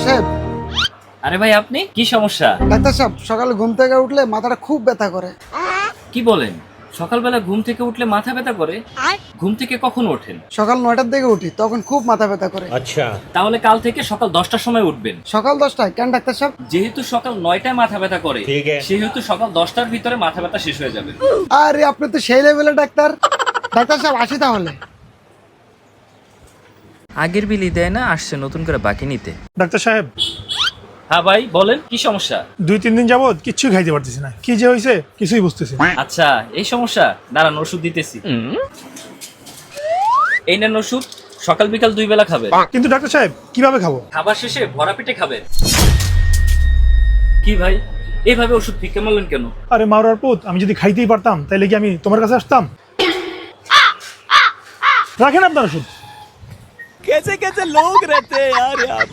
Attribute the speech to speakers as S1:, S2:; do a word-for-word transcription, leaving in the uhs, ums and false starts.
S1: সাহেব।
S2: আরে ভাই আপনি কি সমস্যা?
S1: ডাক্তার সাহেব, সকালে ঘুম থেকে উঠলে মাথাটা খুব ব্যথা করে।
S2: কি বলেন? সকালবেলা ঘুম থেকে উঠলে মাথা ব্যথা করে? ঘুম থেকে কখন ওঠেন?
S1: সকাল নয়টার দিকে উঠি, তখন খুব মাথা ব্যথা করে।
S3: अच्छा
S2: তাহলে কাল থেকে সকাল দশটার সময় উঠবেন।
S1: সকাল দশটায় কেন ডাক্তার সাহেব?
S2: যেহেতু সকাল নয়টায় মাথা ব্যথা করে,
S3: ঠিক আছে।
S2: সেহেতু সকাল দশটার ভিতরে মাথা ব্যথা শেষ হয়ে যাবে।
S1: আরে আপনি তো সেই লেভেলের ডাক্তার। ডাক্তার সাহেব আসি তাহলে।
S4: আগের বিলি দেয় না, আসছে নতুন করে বাকি নিতে।
S5: ডাক্তার সাহেব,
S2: হ্যাঁ ভাই বলেন, কি সমস্যা?
S5: দুই তিন দিন যাবত কিচ্ছুই খাইতে পারতেছি না, কি যে হয়েছে কিছুই বুঝতেছি না।
S2: আচ্ছা এই সমস্যা, দাঁড়ান ওষুধ দিতেছি। এই নেন ওষুধ, সকাল বিকাল দুই বেলা খাবেন।
S5: কিন্তু ডাক্তার সাহেব কিভাবে খাবো?
S2: খাবার শেষে ভরা পেটে খাবেন। কি ভাই, এইভাবে ওষুধ ফিকে মারলেন কেন?
S5: আরে মারার পুত, আমি যদি খাইতেই পারতাম তাহলে কি আমি তোমার কাছে আসতাম? রাখেন আপনার ওষুধ।
S3: कैसे कैसे लोग रहते हैं यार यहाँ पे।